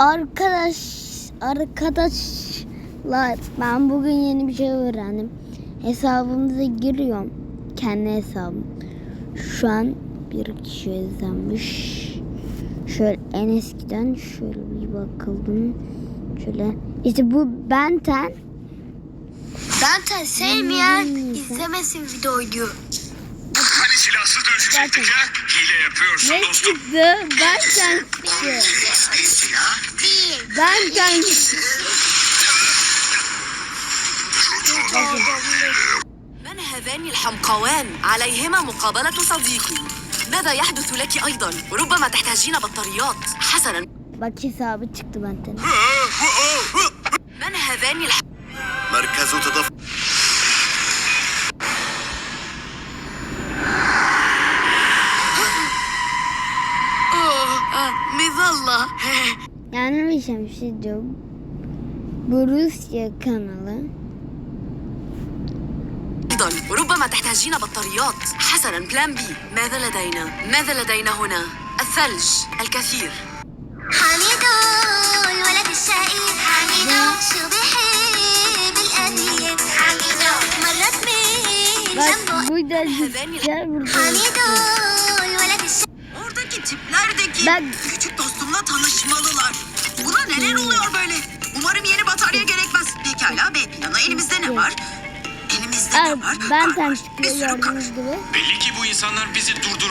Arkadaşlar ben bugün yeni bir şey öğrendim. Hesabımıza giriyorum. Kendi hesabım. Şu an bir kişi izlenmiş. Şöyle en eskiden şöyle bir bakalım. Şöyle işte bu Benten sevmeyen izlemesin videoyu. Hani silahsız dövüşecektik ha? Hile yapıyorsun ne dostum. çıktı? Benten çıktı. Silah Benten çıktı. من هذان الحمقوان؟ عليهما مقابلة صديقي. ماذا يحدث لك أيضا؟ ربما تحتاجين بطاريات. حسنا. Bak hesabı çıktı Benten. من هذان مركز تدفق. مظلة. Yani bir şey diyor. Bu Rusya kanalı. أيضا ربما تحتاجين بطاريات. حسنا بلان بي. ماذا لدينا هنا؟ الثلج الكثير. حميدو الولد الشقي حميدو شو بيحب القديم حميدو مرات من Bak جنبه burada gel burada. حميدو الولد الشقي. Oradaki tiplerdeki Ben küçük dostumla tanışmalılar. Buna neler oluyor böyle? Umarım yeni batarya gerekmez. Pekala B planı. Elimizde ne var? Elimizde ne var? Benten Kar var. çıktı Bir sürü kar. gördüğünüz gibi. Belli ki bu insanlar bizi